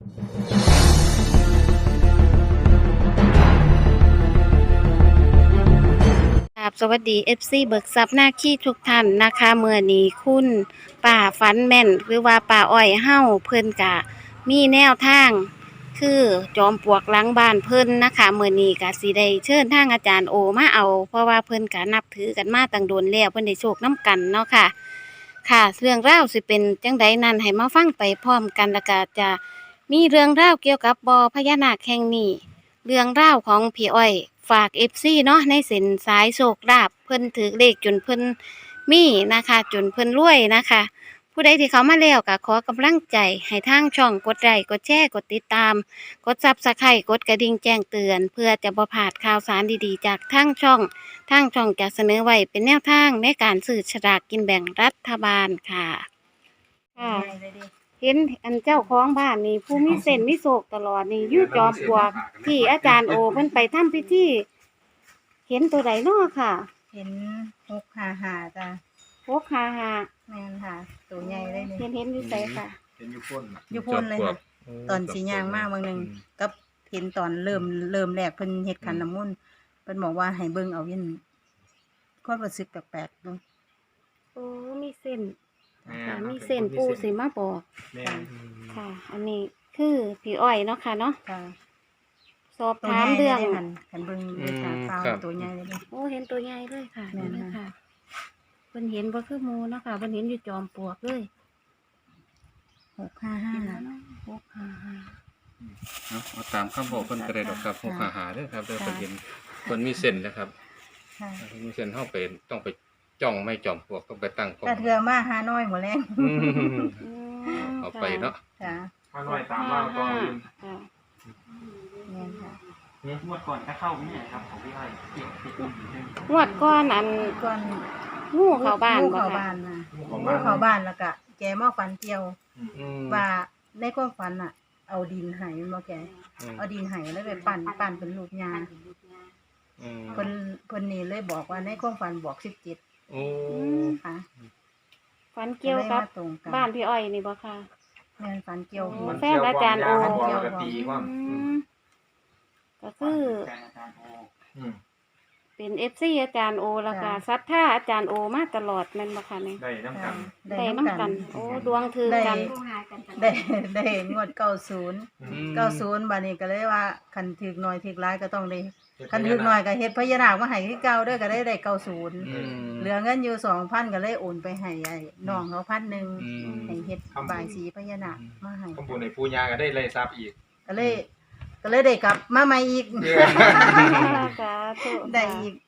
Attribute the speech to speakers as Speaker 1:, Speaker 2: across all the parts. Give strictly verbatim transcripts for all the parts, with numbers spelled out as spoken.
Speaker 1: ครับสวัสดี เอฟ ซี เบิกทรัพย์หน้าขี้ทุกท่านนะคะเมื่อนี้คุณป่าฟันแม่นหรือว่าป่าอ้อยเฮ้าเพิ่นกะมีแนวทางคือจอมปลวกหลังบ้านเพิ่นนะคะเมื่อนี้กะสิได้เชิญทางอาจารย์โอมาเอาเพราะว่าเพิ่นกะนับถือกันมาตั้งโดนแล้วเพิ่นได้โชคน้ำกันเนาะค่ะค่ะเรื่องราวสิเป็นจังใดนั้นให้มาฟังไปพร้อมกันแล้วก็จะมีเรื่องราวเกี่ยวกับบ่อพญานาคแห่งนี้ เรื่องราวของพี่อ้อยฝาก เอฟ ซี เนาะในเส้นสายโชคลาภเพิ่นถือเลขจนเพิ่นมีนะคะจนเพิ่นรวยนะคะผู้ใดที่เขามาแล้วก็ขอกำลังใจให้ทางช่องกดไลค์กดแชร์กดติดตามกด Subscribe กดกระดิ่งแจ้งเตือนเพื่อจะบ่พลาดข่าวสารดีๆจากทางช่องทางช่องจะเสนอไว้เป็นแนวทางในการซื้อฉลากกินแบ่งรัฐบาลค่ะค่ะ เห็นอันเจ้าของบ้านนี่ผู้มีเส้นมีโศกตลอดนี่อยู่จอมปลวกที่อาจารย์โอเพิ่นไปทำพิธีเห็นตัวใดเนาะค่ะ
Speaker 2: เห็นหกหาหาจ้ะ
Speaker 1: พกหาหา
Speaker 2: แม่นค่ะตัวใหญ่เลยนี่
Speaker 1: เห็นเห็นอยู่ไสค่ะ
Speaker 3: เป็นยุพ่นน่ะ
Speaker 2: อยู่พ่นเลยค่ะตอนสีย่างมากบางหนึ่งกับเห็นตอนเริ่มเริ่มแรกเพิ่นเฮ็ดขันน้ำมนต์เพิ่นบอกว่าให้เบิ่งเอาเย็นความรู้สึกแปลกๆดู
Speaker 1: โอ้มีเส้น
Speaker 3: แม่
Speaker 1: ค่ะ
Speaker 3: น
Speaker 1: มีเส้นปูสิมาบอก
Speaker 3: แม่น
Speaker 1: ค่ะ อันนี้คือพี่อ้อยเนาะค่ะเนาะ
Speaker 2: ค่ะ
Speaker 1: สอบ
Speaker 2: ตัว
Speaker 1: ถาม
Speaker 2: ใหญ่
Speaker 1: เรื่อง
Speaker 2: เลยหันขันเบิ่งด้วยตาเปล่าตัวใหญ่เลยเด้อ
Speaker 1: โอ้เห็นตัวใหญ่เลยค่ะ
Speaker 2: แม่น
Speaker 1: นี่
Speaker 2: ค่ะ
Speaker 1: ค่ะเพิ่นเห็นบ่คือหมู่เนาะค่ะเพิ่นเห็นอยู่จอมปลวกเลย
Speaker 2: หกห้าห้า
Speaker 1: พกหาหา
Speaker 4: เอาเอาตามคำบอกเพิ่นก็ได้ดอกครับ
Speaker 2: ค่ะ
Speaker 4: หกหาหาเด้อครับเด้อ
Speaker 2: ค่ะ
Speaker 4: เพิ่นเห็นเพิ่นมีเส้นนะครับ
Speaker 2: ค่ะ
Speaker 4: เพิ่นมีเส้นเฮาไปต้องไปจ้องไม่จอมปลวกต้องไปตั้งกล้อง
Speaker 2: ถ้าเทือมาหาน้อยหัวแรง
Speaker 4: อืม
Speaker 1: อืม
Speaker 4: เอาไปเนาะ
Speaker 2: จ้ะ
Speaker 3: ถ้าหน่อยตามมาก็
Speaker 1: ค่ะ
Speaker 2: แม่นค่ะ
Speaker 3: เนี่ยงวดก่อนก็เข้าไม่ใช่ครับของพี่ไอ้ที่ที่อุ้มอยู่ใช่ไหม
Speaker 1: งวดก้อนอัน
Speaker 2: ก่อน
Speaker 1: งูเข้าบ้าน
Speaker 2: งู
Speaker 1: บ่
Speaker 2: เข้า
Speaker 1: ค่ะ
Speaker 2: บ้านมา
Speaker 3: ของ
Speaker 2: งู
Speaker 3: บ้าน
Speaker 2: เข้าบ้านแล้วก็แกมาฝันเกี่ยว
Speaker 4: อืม
Speaker 2: ว่าในความฝันอ่ะ เอาดินไห้มาแก
Speaker 4: อืม
Speaker 2: เอาดินไห้แล้วไปปั่นปั่นเป็นลูกยา
Speaker 4: อืม
Speaker 2: เพิ่นเพิ่นนี่เลยบอกว่าในความฝันบอกสิบเจ็ด
Speaker 4: โอ้
Speaker 2: ค่ะ
Speaker 1: ฝันเกี่ยวกับ
Speaker 2: ลมาตรงกัน
Speaker 1: บ้านพี่อ้อยนี่บ่ค่ะ
Speaker 2: แม่นฝันเกี่ยว
Speaker 1: โอ้
Speaker 2: หัว
Speaker 1: แฟนอาจารย์โอ
Speaker 3: มันเกี่ยวกับตีว่า
Speaker 1: อืมก็คือ
Speaker 3: แฟนอาจารย์โออืม
Speaker 1: เป็น เอฟ ซี อาจารย์โอแล้วก็ศรัทธาอาจารย์โอมาตลอดแม่นบ่ค่ะนี่
Speaker 3: ได้น้ำกัน
Speaker 1: ได้นำกัน โอ้ดวงถือ
Speaker 2: ได้
Speaker 1: กัน
Speaker 2: ได้ได้งวดเก้าศูนย์
Speaker 4: อืม
Speaker 2: เก้าศูนย์บัดนี้ก็เลยว่าคันถึกหน่อยถึกหลายก็ต้องได้คันถึกหน่อยก็เฮ็ดพญานาคมาให้คือเก่าเด้อก็ได้ได้เก้าศูนย์
Speaker 4: อืม
Speaker 2: เหลือเงินอยู่สองพันก็เลยโอนไปให้ไอ้น้องเขาพันหนึ่ง
Speaker 4: อืม
Speaker 2: ให้เฮ็ดบายสีพญานาคมาให้
Speaker 3: ข้อมูลในปูยาก็ได้เลยทราบอีก
Speaker 2: ก็เลย ก็เลยได้กลับมาใหม่อีก
Speaker 1: สาธุ
Speaker 2: ได้อีก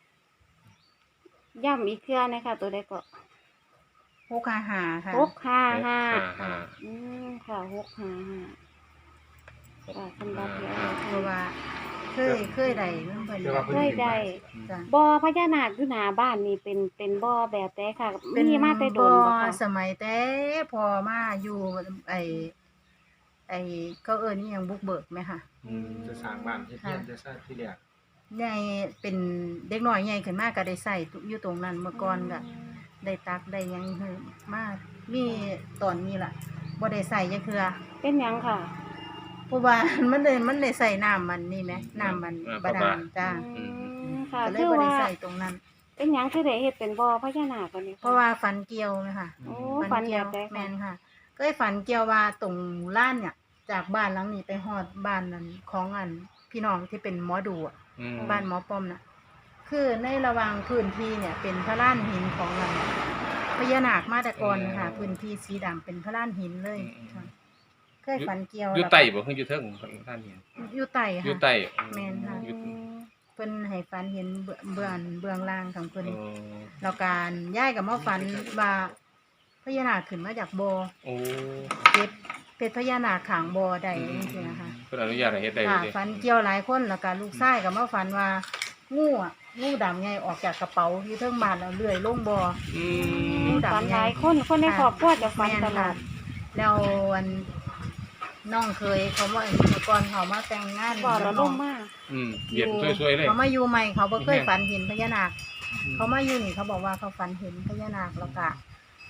Speaker 1: ย่ำอีกเทื่อนะคะตัวใดก็
Speaker 2: หกห้าห้าค่ะ
Speaker 1: หกห้าห้า
Speaker 4: หกห้าห้า
Speaker 1: อืมค่ะหกห้าห้าค่ะสำหรับพี่อ้อย
Speaker 2: เพราะว่าเคยเคยได้เรื่องเพิ่น
Speaker 1: เคยได้
Speaker 2: จ้ะ
Speaker 1: บ่อพญานาคอยู่หน้าบ้านนี่เป็นเป็นบ่อแบบแต่ค่ะ
Speaker 2: เป็น
Speaker 1: มีมาแต่โดนบ่ค่ะ
Speaker 2: สมัยแต่พอมาอยู่ไอไอเขาเอิ้นอิหยังบุกเบิกไหมค่ะ
Speaker 4: อืม
Speaker 3: จะสร้างบ้านที่เทียนจะสร้างที่เรียก
Speaker 2: ใหญ่เป็นเด็กน้อยใหญ่ขึ้นมาก็ได้ใส่อยู่ตรงนั้นเมื่อก่อนก็ได้ตักได้หยังเฮ็ดมามีตอนนี้ล่ะบ่ได้ใส่จักเทื่อ
Speaker 1: เป็นหยังค่ะ
Speaker 2: เพราะว่า มันได้มันได้ใส่น้ำมันนี่แหมน้ำมันบาดาลจ้า
Speaker 1: อืมค่ะ
Speaker 2: ก็เลย
Speaker 1: คือ
Speaker 2: บ่ได้
Speaker 1: ว่า
Speaker 2: ใส่ตรงนั้น
Speaker 1: เป็นหยังคือได้เฮ็ดเป็นบ่อพญานาคกันนี่
Speaker 2: เพราะว่าฝันเกี่ยวไหมค่ะ
Speaker 1: โอ้ฝันแบ
Speaker 2: เกี่ยว
Speaker 1: บใด
Speaker 2: แม
Speaker 1: ค่ะ
Speaker 2: นค่ะ ก็ได้ฝันเกี่ยวว่าตรงล้านเนี่ย จากบ้านหลังนี้ไปฮอดบ้านนั้นของอันพี่น้องที่เป็นหมอดูอะ
Speaker 4: อืม
Speaker 2: บ้านหมอป้อมน่ะ คือในระหว่างพื้นที่เนี่ย เป็นพระล้านหินของอันพญานาคมาแต่ก่อนค่ะ พื้นที่สีดำเป็นพระล้านหินเลยค่ะเคยฝันเกี่ยว
Speaker 4: อยู่ใต้บ่คืออยู่เทิงท่านเห็น
Speaker 2: อยู่ใต้
Speaker 4: อยู่
Speaker 2: ค่ะ
Speaker 4: ใต้
Speaker 2: แม่นค่ะ
Speaker 4: อยู่
Speaker 2: เพิ่นให้ฝันเห็นเบื้องเบื้องเบื้องล่างของเพิ่น
Speaker 4: โอ้
Speaker 2: แล้วการย้ายกับมาฝันว่าพญานาคขึ้นมาจากบ่อ
Speaker 4: โอ้
Speaker 2: เก็บเป็ดพญานาคขางบ่อได้จริงๆนะคะ
Speaker 4: เพิ่นอนุญาตให้เฮ็ดได้
Speaker 2: ค่ะ
Speaker 4: เลย
Speaker 2: ฝันเกี่ยวหลายคนแล้วก็ลูกชายก็มาฝันว่างูอ่ะงูดำไงออกจากกระเป๋าอยู่เทิงบ้านแล้วเลื่อยลงบ่อ
Speaker 4: อื
Speaker 2: งู
Speaker 4: ม
Speaker 2: ดำ
Speaker 1: ฝันหลายคนคนในครอบครัวจะฝัน
Speaker 2: แม่น
Speaker 1: ตลอ
Speaker 2: ค่ะ
Speaker 1: ด
Speaker 2: แล้วอันน้องเคยเขาว่าเมื่อก่อนเขามาแต่งงาน
Speaker 1: บ่อระลงมาก
Speaker 4: อืมเย็นช่วยๆเลย
Speaker 2: เขามาอยู่ใหม่เขาบ่เคย
Speaker 4: แม่น
Speaker 2: ฝันเห็นพญานาคเขามาอยู่นี่เขาบอกว่าเขาฝันเห็นพญานาคแล้วก็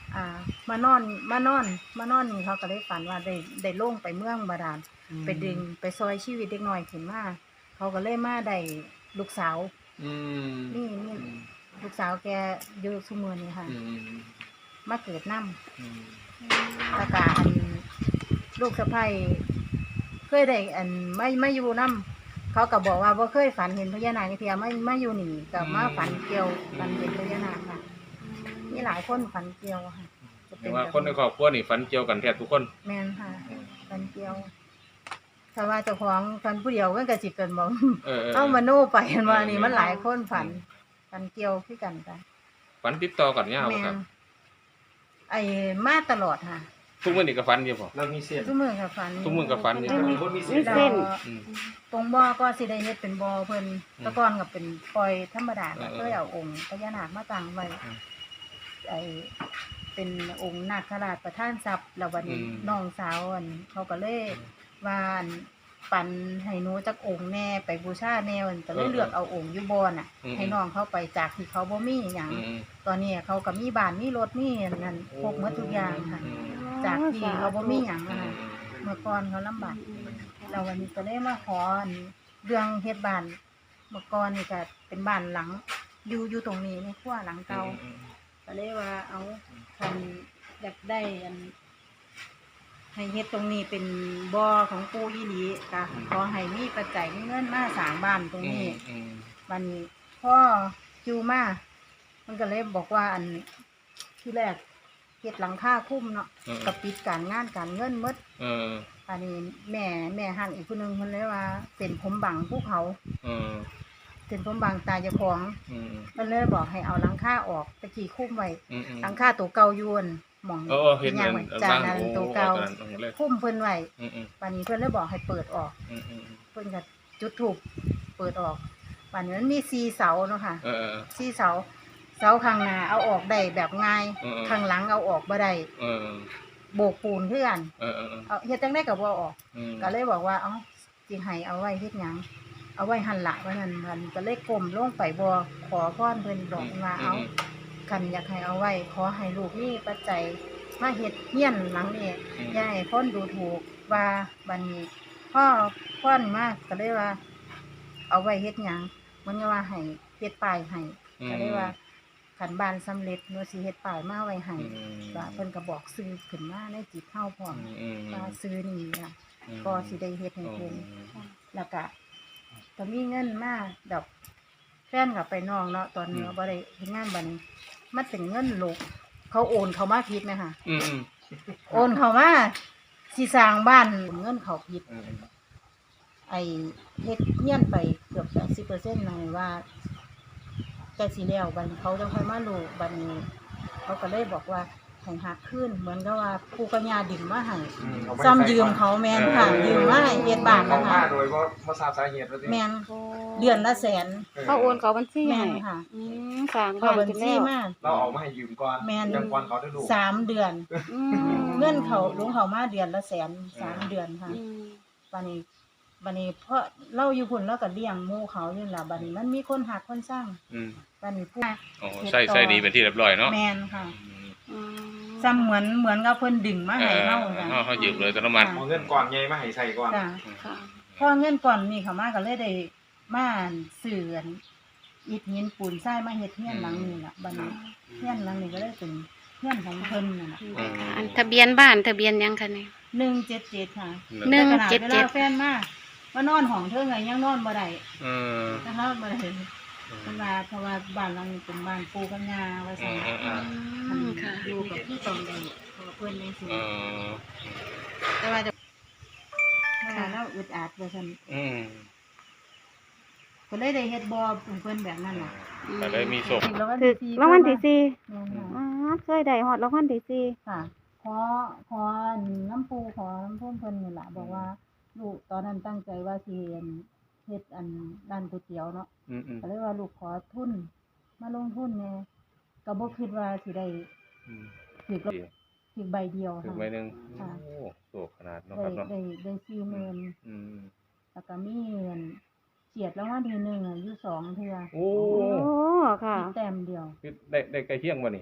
Speaker 2: อ่ามานอนมานอนมานอนนี่เขาก็ได้ฝันว่าได้ได้ลงไปเมืองบาดาลไปดึงไปซอยชีวิตเด็กน้อยขึ้นมาเขาก็เลยมาได้ลูกสาว
Speaker 4: อืม
Speaker 2: นี่นี่ลูกสาวแกอยู่ซุมื้อนี้ค่ะ
Speaker 4: อืม
Speaker 2: มาเกิดนำ
Speaker 4: อืม
Speaker 2: ตากาอันลูกสะใภ้เคยได้อันไม่ไม่อยู่นํเขาก็บอกว่าบ่เคยฝันเห็นพญานาคเทียไม่ไม่อยู่นี่ก็มาฝันเกี่ยวฝันเห็นพญานาคค่ะมีหลายคนฝันเกี่ยวค่ะจะ
Speaker 4: เรียกว่าคนในครอบครัวนี่ฝันเกี่ยวกันแทบทุกคน
Speaker 2: แม่นค่ะฝันเกี่ยวถ้าว่าเจ้าของฝันผู้เดียวมันก็สิเป็นบ่
Speaker 4: เออ
Speaker 2: เอามาโน่ไปกันว่า
Speaker 4: เออ
Speaker 2: นี่มันหลายคนฝันฝันเกี่ยวคือกันค่ะ
Speaker 4: ฝันติดต่อกันยาว
Speaker 2: แม่
Speaker 4: ครับ
Speaker 2: นไอ้มาตลอดค่ะ
Speaker 4: ทุกมื้อนี่ก็ฝันอยู่บ่
Speaker 3: เรามีเส้น
Speaker 2: ทุกมื้อก็ฝัน
Speaker 4: ทุกมื้อก็ฝันอยู่
Speaker 3: เรามีคนมีเส้น
Speaker 1: มีเส้น
Speaker 4: อืม
Speaker 2: ตรงบ่อก็สิได้เฮ็ดเป็นบ่อเพิ่น
Speaker 4: อืม
Speaker 2: แตะก่อนก็เป็นปล่อยธรรมดาก็
Speaker 4: เออ
Speaker 2: เคยเอาองค์พญานาคมาตั้งไว้
Speaker 4: อืม
Speaker 2: ไอ้เป็นองค์นาคราชประธานทรัพย์แล้ววันนี้
Speaker 4: อืม
Speaker 2: น้องสาวอันเขาก็เลยว่าอันปันให้หนูจักองค์แน่ไปบูชาแนวก็เลยเลือกเอาองค์อยู่บ่อน่ะ ให้น้องเขาไปจากที่เขาบ่มีหยัง
Speaker 4: อืม
Speaker 2: ตอนนี้เขาก็มีบ้านมีรถมีอันนั่นครบหมดทุกอย่างค่ะ
Speaker 4: อืม
Speaker 2: จากที่เขาบ่มีหยัง
Speaker 4: อื
Speaker 2: อะ
Speaker 4: ม
Speaker 2: ค่ะเมื่อก่อนเขาลำบาก เราวันนี้ก็เลยมาขออันเรื่องเฮ็ดบ้านเมื่อก่อนนี่ก็เป็นบ้านหลัง อยู่อยู่ตรงนี้ในครัวหลังเก่าก็เลยว่าเอาคันอยากได้อันให้เฮ็ดตรงนี้เป็นบ่อของปู่อีหลีก็ขอให้มีปัจจัยมีเงินมาสร้างบ้านตรงนี้
Speaker 4: อืม
Speaker 2: วันนี้พ่อจูมามันก็เลยบอกว่าอันที่แรกเฮ็ดหลังคาคุ้มเนาะ
Speaker 4: เออ
Speaker 2: ก็ปิดการงานการเงินหมด
Speaker 4: เออ
Speaker 2: อันนี้แม่แม่หันอีกคนนึงคนเลยว่าเป็นผมบังภูเขา
Speaker 4: เออ
Speaker 2: เป็นผมบังตาเจ้าของ
Speaker 4: อืม
Speaker 2: มันเลยบอกให้เอาหลังคาออกตะกี้คุ้มไว้
Speaker 4: อืมอืม
Speaker 2: หลังคาตัวเก่าอยวนหมอง
Speaker 4: เออเออเห็น
Speaker 2: ย่าง
Speaker 4: เห็
Speaker 2: ไว้
Speaker 4: น
Speaker 2: จาน
Speaker 4: บ้าง
Speaker 2: นั้น
Speaker 4: โอ้
Speaker 2: ตัวเก่า
Speaker 4: ตอนนั้นตรงนั้นเลย
Speaker 2: คุ้มเพิ่นไว้
Speaker 4: อืมอืม
Speaker 2: วันนี้เพิ่นเลยบอกให้เปิดออก
Speaker 4: อืมอืม
Speaker 2: เพิ่นก็จุดถูกเปิดออกวันนี้มันมีสี่เสาเนาะค่ะ
Speaker 4: เออเออ
Speaker 2: สี่เสาเสาข้างหน้าเอาออกได้แบบง่าย
Speaker 4: เออเออ
Speaker 2: ข้างหลังเอาออกบ่ได้
Speaker 4: เออ
Speaker 2: โบกปูนคือกัน
Speaker 4: เออเออเออ
Speaker 2: เอาเฮ็ดจังได๋ก็บ่ออก
Speaker 4: อืม
Speaker 2: ก็เลยบอกว่าเอ้าสิให้เอาไว้เฮ็ดหยังเอาไว้หั่นละว่านั่นมันก็เลยก้มลงไปบ่ขอพรเพิ่นบอกว่าเอาคันอยากให้เอาไว้ขอให้ลูกมีปัจจัยมาเฮ็ดเฮียนหลังนี้อย่าให้คนดูถูกว่าบัดนี้พ่อพ่อนมาก็เลยว่า เอาไว้เฮ็ดหยังมันก็ว่าให้เฮ็ดป้ายให้ก็เลยว่าคันบ้านสำเร็จหนูสิเฮ็ดป้ายมาไว้ให้
Speaker 4: อืม
Speaker 2: ว่าเพิ่นก็บอกซื้อขึ้นมาในจิตเฮาพร้อม
Speaker 4: อืมอืม
Speaker 2: ว่าซื้อนี่ล่ะ
Speaker 4: อืม
Speaker 2: ก็สิได้เฮ็ดให้เพิ่น
Speaker 4: อ๋อ
Speaker 2: แล้วก็ก็มีเงินมาดอกแฟนกับไปน้องเนาะตอนนี้บ่ได้เฮ็ดงานบัดนี้มันเป็นเงินลูกเขาโอนเข้ามาผิดไหมคะ
Speaker 4: อืมอืม
Speaker 2: โอนเข้ามาสิสร้างบ้านเงินเขาผิด
Speaker 4: อืม
Speaker 2: ไอ้เฮ็ดเฮียนไปเกือบแปดสิบเปอร์เซ็นต์เลยว่าใกล้สิแล้วบัดนี้เขาจะค่อยมารู้บัดนี้ เขาก็เลยบอกว่าให้หักขึ้นเหมือนกับว่าปู่กับย่าดึงมาให้ซ้ำยืมเขาแม่นค่ะยืมมาให้เฮ็ดบ้าน
Speaker 3: เขา
Speaker 2: นะคะ
Speaker 3: มาโดยว่ามาทราบสาเหตุแล้วสิ
Speaker 2: แม่นเดือนละแสน
Speaker 1: เขาโอนเขาบัญชี
Speaker 2: แม่
Speaker 1: ให้
Speaker 2: นค่ะ
Speaker 1: อืมสร้าง
Speaker 2: เข้า
Speaker 1: บ้าน
Speaker 2: บัญ
Speaker 1: ขึ้น
Speaker 2: ชี
Speaker 1: แล้ว
Speaker 2: มา
Speaker 3: เราเอามาให้ยืมก่อน
Speaker 2: แม่น
Speaker 3: ยังก่อนเขาได้ดู
Speaker 2: สามเดือน
Speaker 1: อืม
Speaker 2: เงินเขาลงเขามาเดือนละแสนสามเดือนค่ะ
Speaker 1: อืม
Speaker 2: บัดนี้บัดนี้เพราะเราอยู่พุ่นเราก็เลี้ยงหมู่เขาอยู่ล่ะบัดนี้มันมีคนหักคนสร้าง
Speaker 4: อืม
Speaker 2: บัดนี้ผู้
Speaker 4: อ๋อใส่ใส่ดีเป็นที่เรียบร้อยเนาะ
Speaker 2: แม่นค่ะ
Speaker 4: อืม
Speaker 1: อืม
Speaker 2: ซ้ำเหมือนเหมือนกับเพิ่นดึงมา
Speaker 4: เอ
Speaker 2: ให้
Speaker 4: อ
Speaker 2: เฮา
Speaker 4: เออ
Speaker 2: จ้ะ
Speaker 4: เขาเขายืมเลยตโนมัติ
Speaker 3: เอาเงินก่อนไงมาให้ใส่ก่อน
Speaker 2: จ้ะ
Speaker 1: ค่ะ
Speaker 2: พอเงินก่อนนี่เขามาก็เลยได้มาซื้ออันอิฐหินปูนทรายมาเฮ็ดเฮียนหลังนี้ล่ะบัดนี้เฮียนหลังนี้ก็เลยเป็นเฮียนของเพิ่นนั่นน่ะ
Speaker 4: อืม
Speaker 1: อันทะเบียนบ้านทะเบียนหยังคะเนี่ย
Speaker 2: หนึ่งเจ็ดเจ็ดค่ะ
Speaker 1: หนึ่ง
Speaker 2: แต่ขนาด
Speaker 1: เจ็ด
Speaker 2: เว
Speaker 1: เจ็ด
Speaker 2: ลาแฟนมาว่านอนห้องเธอไงยังนอนบ่ได้
Speaker 4: เออ
Speaker 2: นะคะบ่ได้เพิ่นว่าเพราะว่าบ้านหลังนี้เป็นบ้านปู่กับย่าว่า
Speaker 4: อื
Speaker 2: ซั่น
Speaker 4: มอืมอืม
Speaker 1: อืมค่ะ
Speaker 2: อยู่กับพี่ตองได้เพราะว่าเพิ่นจังซี่
Speaker 4: เออ
Speaker 2: แต่ว่าจะค่ะเราอึดอัดว่าซั่น
Speaker 4: อืม
Speaker 2: ก็เลยได้เฮ็ดบ่เพิ่นแบบนั้นน่ะ
Speaker 4: แต่ได้มีศพ
Speaker 2: ถึงรางวัล
Speaker 1: ถึ
Speaker 2: ที่
Speaker 1: ก
Speaker 2: สี่
Speaker 1: รางวัลที่สี่
Speaker 2: แม่นค่ะ
Speaker 1: อ๋อเคยได้ฮอดรางวัลที่สี่
Speaker 2: ค่ะขอขอน้ำปูขอน้ำพุ่มเพิ่นนี่ล่ะบอกว่าลูกตอนนั้นตั้งใจว่าสิเฮ็ดเฮ็ดอันร้านก๋วยเตี๋ยวเนาะ
Speaker 4: อืมอืม
Speaker 2: ก็เลยว่าลูกขอทุนมาลงทุนแหน่ก็บ่คิดว่าสิได้
Speaker 4: อืม
Speaker 2: ถือ
Speaker 4: ดี
Speaker 2: ถือใบเดียว
Speaker 4: ถึง
Speaker 2: ค่ะ
Speaker 4: ใบหนึ่ง
Speaker 2: ค่ะ
Speaker 4: โอ้โศกขนาดเนาะ
Speaker 2: ได้
Speaker 4: ครับเนาะ
Speaker 2: ได้ได้สี่หมื่น
Speaker 4: อืม
Speaker 2: แล้วก็มีเงินเฉียดรางวัลที่หนึ่งอะอยู่สองเทื่อ
Speaker 4: โอ้
Speaker 1: โอ้ค่ะ
Speaker 2: มีแต้มเดียว
Speaker 4: คือได้ได้ใกล้เที่ยงบ่นี่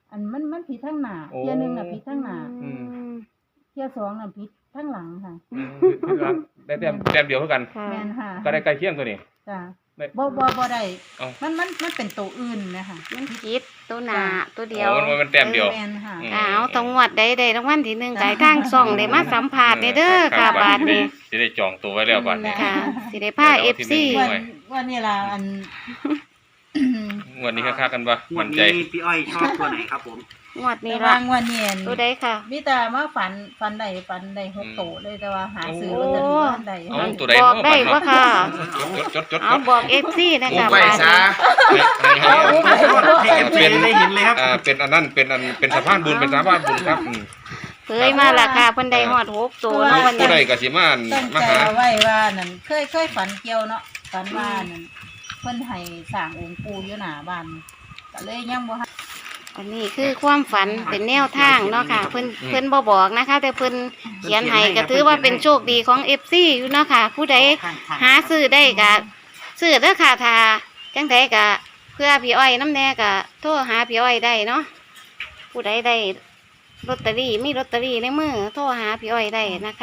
Speaker 2: อันมันมันผิดทั้งหน้า
Speaker 4: โอ้
Speaker 2: เที่ยหนึงน่ะผิดทั้งหน้า
Speaker 4: อืม
Speaker 2: เที่ยสองน่ะผิดทั้งหลังค่ะ
Speaker 4: อืมคือว่าได้แต้มแต้มเดียวเท่ากัน
Speaker 1: ค่ะ
Speaker 2: แม่นค่ะ
Speaker 4: ก็ได้ใกล้เคียงตัวนี้
Speaker 2: จ้ะ
Speaker 4: ได้
Speaker 2: บ่บ่บ่ได้
Speaker 4: เอ้า
Speaker 2: มันมันมันเป็นตัวอื่นนะคะ
Speaker 1: มันผิดตัวหนาตัวเดียว
Speaker 4: โอ้มันมันแต้มเดียว
Speaker 2: แม่นค่ะ
Speaker 4: อืม
Speaker 1: อ้าวต้องงวดใดใดรางวัลที่หนึ่งไก่ทางส่องได้มาสัมภาษณ์ได้เด้อค่ะบาทนี้
Speaker 4: สิได้จองตัวไว้แล้วบาทนี้
Speaker 1: ค่ะสิได้พา
Speaker 4: เดี๋ยวเอาที่
Speaker 1: เอฟซี
Speaker 4: หนึ่ง
Speaker 2: วันวันนี้ล่ะอัน
Speaker 4: งวดนี้ค่าๆกันปะ
Speaker 3: งว
Speaker 4: มั่
Speaker 3: ด
Speaker 4: นใจ
Speaker 3: นี้พี่อ้อยชอบตัวไหนครับผม
Speaker 1: งวดนี้
Speaker 2: ระ
Speaker 1: ละ
Speaker 2: วางวันนี้อัน
Speaker 1: ตัวใดค่ะ
Speaker 2: มีแต่มาฝันฝันได้ฝันได้หกโตเลยแต่ว่าหาซื้อลอตเตอรี่บ่ทันได้
Speaker 4: เอาตัวใด
Speaker 1: บอกได้ว่าค่ะ
Speaker 4: จดจดจด
Speaker 1: เอาบอกเอฟซีนะคะ
Speaker 5: ไป
Speaker 1: บาท
Speaker 5: ซะ
Speaker 1: นี้
Speaker 3: ให้เอฟซีได้เห็นเลยครับ
Speaker 4: อ่าเป็นอันนั้นเป็นอันเป็นสะพานบุญเป็นสะพานบุญครับอืม
Speaker 1: เคยมาละค่ะเพิ่นได้ฮอดหกตัวเนาะวัน
Speaker 4: ผู้
Speaker 1: นี้
Speaker 4: ใดก็สิมา
Speaker 2: ตั้ง
Speaker 4: มา
Speaker 2: ใจ
Speaker 4: หา
Speaker 2: เอาไว้ว่านั่นเคยเคยฝันเกี่ยวเนาะฝันว่านั่นเพิ่นให้สร้างองค์ปู่อยู่หน้าบ้านก็เลยยังบ่
Speaker 1: อันนี้คือความฝันเป็นแนวทางเนาะค่ะ เพิ่นเพิ่นบ่บอกนะคะ แต่เพิ่นเขียนให้ก็ถือว่าเป็นโชคดีของ เอฟ ซี อยู่เนาะค่ะ ผู้ใดหาซื้อได้ก็ซื้อเด้อค่ะถ้าจังไดก็เพื่อพี่อ้อยน้ำแน่ก็โทรหาพี่อ้อยได้เนาะผู้ใดได้ลอตเตอรี่มีลอตเตอรี่ในมือโทรหาพี่อ้อยได้นะคะ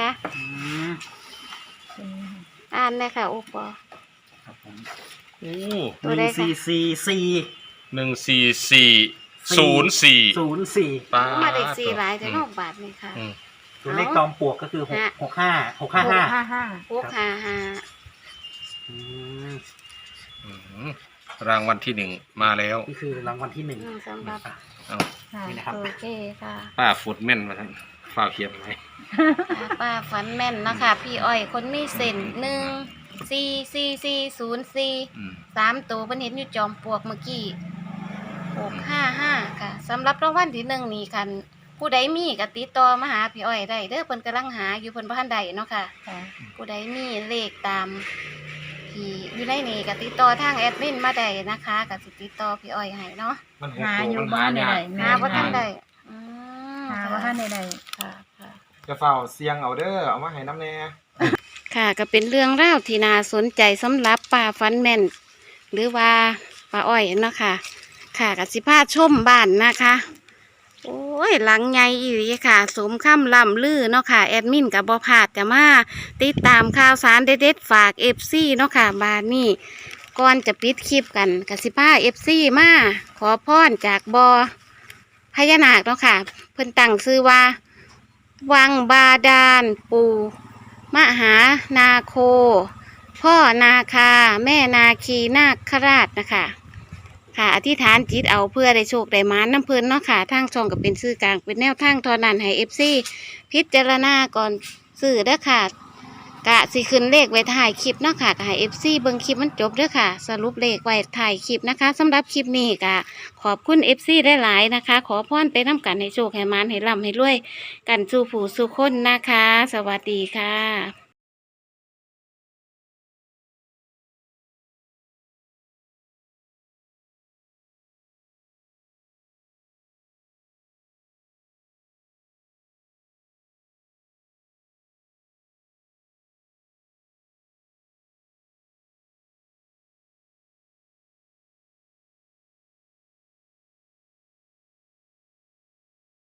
Speaker 1: อ่านเลยค่ะโอปอ
Speaker 3: ครับผม
Speaker 4: โอ้
Speaker 1: ตัว
Speaker 3: ห
Speaker 1: ใด
Speaker 3: นึ่ง
Speaker 1: ค่ะ
Speaker 3: สี่สี่สี่
Speaker 4: หนึ่งสี่สี่ศูนย์สี่
Speaker 3: ศูนย์สี่
Speaker 4: ป้า
Speaker 1: มาได้สี่หลายแต่นอกบาทนี่ค่ะ
Speaker 4: อืม
Speaker 3: ตัวเลขจอมปลวกก็คือหก
Speaker 1: ฮะ
Speaker 3: หกห้าหกห้าห้า
Speaker 2: ห้าห้า
Speaker 1: พวกหาหา
Speaker 3: อืม
Speaker 4: อืมรางวัลที่หนึ่งมาแล้ว
Speaker 3: นี่คือรางวัลที่หนึ่ง
Speaker 1: อืมสำหรับ
Speaker 4: เอา
Speaker 2: ค่ะ
Speaker 3: นี่นะครับ
Speaker 1: โอเคค่ะ
Speaker 4: ป้าฟุดแม่นมาทั้งฝ้ากเขียนไว้
Speaker 1: ป้าฝันแม่นนะคะพี่อ้อยคนมีเส้นหนึ่งสี่สี่สี่ศูนย์สี่
Speaker 4: อืม
Speaker 1: สามตัวเพิ่นเห็นอยู่จอมปลวกเมื่อกี้หกห้าห้าค่ะสำหรับรางวัลที่หนึ่งนี่คันผู้ใดมีก็ติดต่อมาหาพี่อ้อยได้เด้อเพิ่นกำลังหาอยู่เพิ่นบ่ทันได้เนาะค่ะ
Speaker 2: ค่ะ
Speaker 1: ผู้ใดมีเลขตามที่อยู่ในนี่ก็ติดต่อทางแอดมินมาได้นะคะก็สิติดต่อพี่อ้อยให้เนาะ
Speaker 5: มันหก
Speaker 2: หา
Speaker 5: ตัว
Speaker 2: อยู่
Speaker 5: มัน
Speaker 2: บ้า
Speaker 5: หาน
Speaker 2: ใด
Speaker 5: ยาก
Speaker 2: ๆ
Speaker 1: หาบ่ทันได้อืม
Speaker 2: หาบ่ทันใด
Speaker 1: ค่ะค่ะ
Speaker 5: จะเฝ้าเสียงเอาเด้อเอามาให้น้ำแน่
Speaker 1: ค่ะก็เป็นเรื่องราวที่น่าสนใจสำหรับป่าฟันแม่น หรือว่าป่าอ้อยเนาะค่ะ ค่ะกสิพาชมบ้านนะคะ โอ้ยหลังใหญ่อีหลีค่ะ สมคำล่ำลือเนาะค่ะแอดมินกับบอพลาดจะมาติดตามข่าวสารเด็ดๆฝากเอฟซีเนาะค่ะบ้านนี้ก่อนจะปิดคลิปกันกสิพาเอฟซีมาขอพรจากบอพญานาคเนาะค่ะ เพิ่นตั้งชื่อว่า วังบาดาลปูมหานาโค พ่อนาคา แม่นาคีนาคราชนะคะ ค่ะอธิษฐานจิตเอาเพื่อได้โชคได้หมาน้ำเพลินเนาะค่ะทางช่องก็เป็นซื้อกลางเป็นแนวทางทอนันให้เอฟซีพิจารณาก่อนซื้อเด้อค่ะกะสิขึ้นเลขไว้ถ่ายคลิปเนาะค่ะก็ให้เอฟซีเบิ่งคลิปมันจบเด้อค่ะ สรุปเลขไว้ถ่ายคลิปนะคะสำหรับคลิปนี้กะขอบคุณเอฟซีได้หลายๆนะคะ ขอพรไปน้ำกันให้โชคให้หมานให้ร่ำให้รวยกันสู่ผู้สู่คนนะคะ สวัสดีค่ะ